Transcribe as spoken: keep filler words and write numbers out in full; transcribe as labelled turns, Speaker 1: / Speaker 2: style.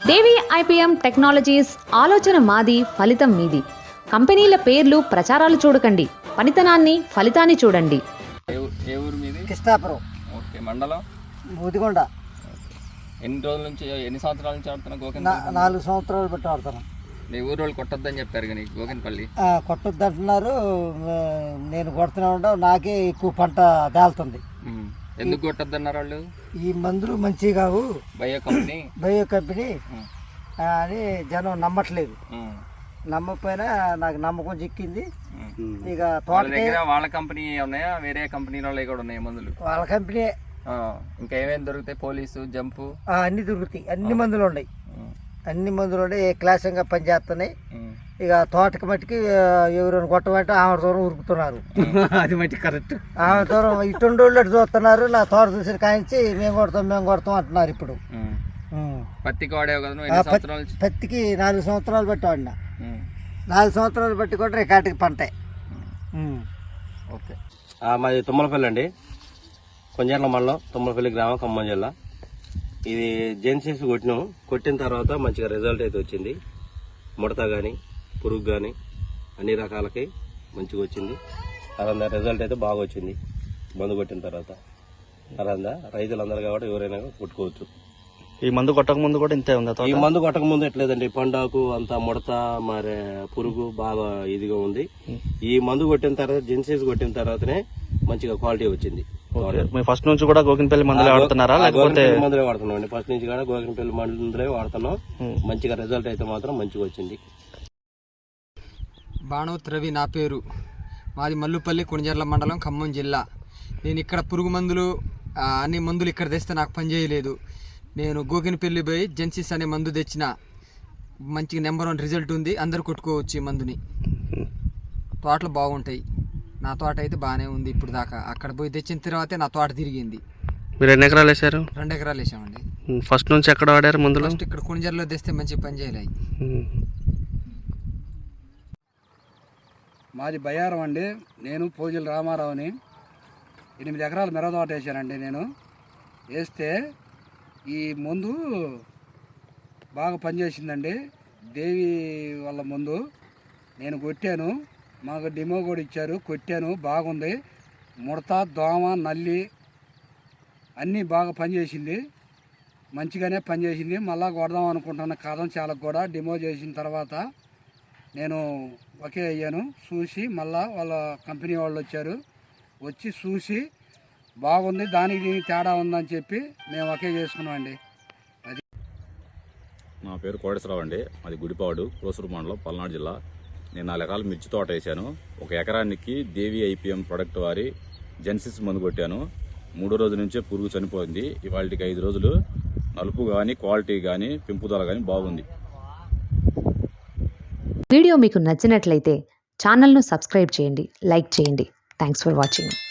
Speaker 1: దేవి IPM technologies ఆలోచన మాది, ఫలితం మీది. కంపెనీల పేర్లు ప్రచారాలు చూడకండి, పనితనాన్ని ఫలితాన్ని చూడండి.
Speaker 2: ఏ ఊరు మీది?
Speaker 3: కృష్ణాపురం.
Speaker 2: ఓకే. మండలం?
Speaker 3: బూదిగొండ.
Speaker 2: ఎన్ని రోజుల నుంచి, ఎన్ని సంవత్సరాల నుంచి ఆడుతున్నా గోకిన్?
Speaker 3: నాలుగు సంవత్సరాలు బట్టి ఆడుతున్నాను.
Speaker 2: మీ ఊరు వాళ్ళు కొట్టొద్దని చెప్పారు కానీ గోకిన్పల్లి
Speaker 3: కొట్టొద్దు అంటున్నారు. నేను కొడుతూనే ఉంటా, నాకే ఎక్కువ పంట తేలుతుంది.
Speaker 2: ఎందుకు కొట్టొద్దన్నారు వాళ్ళు?
Speaker 3: ఈ మందులు మంచివి కావు,
Speaker 2: బయో కంపెనీ
Speaker 3: బయో కంపెనీ అని జనం నమ్మట్లేదు. నమ్మకపోయినా నాకు నమ్మకం చిక్కింది. ఇక తోట
Speaker 2: వాళ్ళ కంపెనీ ఉన్నాయా, వేరే కంపెనీ వాళ్ళు కూడా ఉన్నాయి మందులు?
Speaker 3: వాళ్ళ కంపెనీ.
Speaker 2: ఇంకా ఏమేమి దొరుకుతాయి? పోలీసు, జంపు
Speaker 3: అన్ని దొరుకుతాయి. అన్ని మందులు ఉన్నాయి, అన్ని మందులు ఉన్నాయి. క్లాసంగా పనిచేస్తున్నాయి. ఇక తోటకి మట్టికి ఎవరైనా కొట్టమంటే ఆమె దూరం ఉరుకుతున్నారు.
Speaker 2: అది మట్టి కరెక్ట్.
Speaker 3: ఆమె దూరం ఇటుండోళ్ళు చూస్తున్నారు. నా తోట చూసి కాయించి మేము కొడతాం మేము కొడతాం అంటున్నారు. ఇప్పుడు
Speaker 2: పత్తికి వాడేవు కదా?
Speaker 3: పత్తికి నాలుగు సంవత్సరాలు బట్టి వాడినా. నాలుగు సంవత్సరాలు బట్టి కూడా రేకాటికి పంట.
Speaker 2: ఓకే.
Speaker 4: మాది తుమ్మలపల్లి అండి, కొంజర్ల మండలం, తుమ్మలపల్లి గ్రామం, ఖమ్మం జిల్లా. ఇది జెన్సిస్ కొట్టినాం. కొట్టిన తర్వాత మంచిగా రిజల్ట్ అయితే వచ్చింది. ముడత కానీ పురుగు కానీ అన్ని రకాలకి మంచిగా వచ్చింది. అలా రిజల్ట్ అయితే బాగా వచ్చింది మందు కొట్టిన తర్వాత. అలా రైతులందరూ కాబట్టి ఎవరైనా కొట్టుకోవచ్చు.
Speaker 5: ఈ మందు కొట్టక ముందు కూడా ఇంతే ఉంది?
Speaker 4: ఈ మందు కొట్టక ముందు ఎట్లేదండి, పండాకు అంతా ముడత మరి పురుగు బాగా ఇదిగా ఉంది. ఈ మందు కొట్టిన తర్వాత, జెన్సిస్ కొట్టిన తర్వాతనే మంచిగా క్వాలిటీ వచ్చింది.
Speaker 5: ఫస్ట్ నుంచి కూడా గోకిన్పల్లి మందులే వాడుతున్నారా లేకపోతే?
Speaker 4: మందులే వాడుతున్నాం అండి, ఫస్ట్ నుంచి కూడా గోకిన్పల్లి మందులే వాడుతున్నాం. మంచిగా రిజల్ట్ అయితే మాత్రం మంచిగా వచ్చింది.
Speaker 6: బాణోత్ రవి నా పేరు. మాది మల్లుపల్లి, కొణిజర్ల మండలం, ఖమ్మం జిల్లా. నేను ఇక్కడ పురుగు మందులు అన్ని మందులు ఇక్కడ తెస్తే నాకు పని చేయలేదు. నేను గోకిన్పల్లి పోయి జెన్సిస్ అనే మందు తెచ్చిన. మంచిగా నెంబర్ వన్ రిజల్ట్ ఉంది. అందరు కొట్టుకోవచ్చు ఈ మందుని. తోటలు బాగుంటాయి. నా తోట అయితే బాగానే ఉంది ఇప్పుడు దాకా. అక్కడ పోయి తెచ్చిన తర్వాతే నా తోట తిరిగింది.
Speaker 5: మీరు ఎన్ని ఎకరాలు వేసారు?
Speaker 6: రెండు ఎకరాలు వేసామండి.
Speaker 5: ఫస్ట్ నుంచి ఎక్కడ వాడారు మందులు?
Speaker 6: ఫస్ట్ ఇక్కడ కొణిజర్లో తెస్తే మంచి పని చేయలే.
Speaker 7: మాది బయ్యారం అండి. నేను పూజల రామారావుని. ఎనిమిది ఎకరాలు మిరపతోట వేసానండి. నేను వేస్తే ఈ మందు బాగా పనిచేసిందండి. దేవి వాళ్ళ మందు నేను కొట్టాను. మాకు డిమో కూడా ఇచ్చారు, కొట్టాను, బాగుంది. ముడత, దోమ, నల్లి అన్నీ బాగా పనిచేసింది. మంచిగానే పనిచేసింది. మళ్ళా కొడదాం అనుకుంటున్న కాదం చాలా కూడా డిమో చేసిన తర్వాత నేను ఒకే అయ్యాను. చూసి మళ్ళా వాళ్ళ కంపెనీ వాళ్ళు వచ్చారు, వచ్చి చూసి బాగుంది, దానికి దీనికి తేడా ఉందని చెప్పి మేము ఒకే చేసుకున్నామండి. అది
Speaker 8: నా పేరు కోటేశ్వరరావు అండి. మాది గుడిపాడు, కోసూరు మండలం, పల్నాడు జిల్లా. నేను నాలుగు ఎకరాలు మిర్చి తోట వేసాను. ఒక ఎకరానికి దేవి ఐపీఎం ప్రొడక్ట్ వారి జెన్సిస్ మందు కొట్టాను. మూడో రోజు నుంచే పురుగు చనిపోయింది. ఇవాళకి ఐదు రోజులు నలుపు కానీ, క్వాలిటీ కానీ, పెంపుదల కానీ బాగుంది.
Speaker 1: వీడియో మీకు నచ్చినట్లయితే ఛానల్ను సబ్స్క్రైబ్ చేయండి, లైక్ చేయండి. Thanks for watching.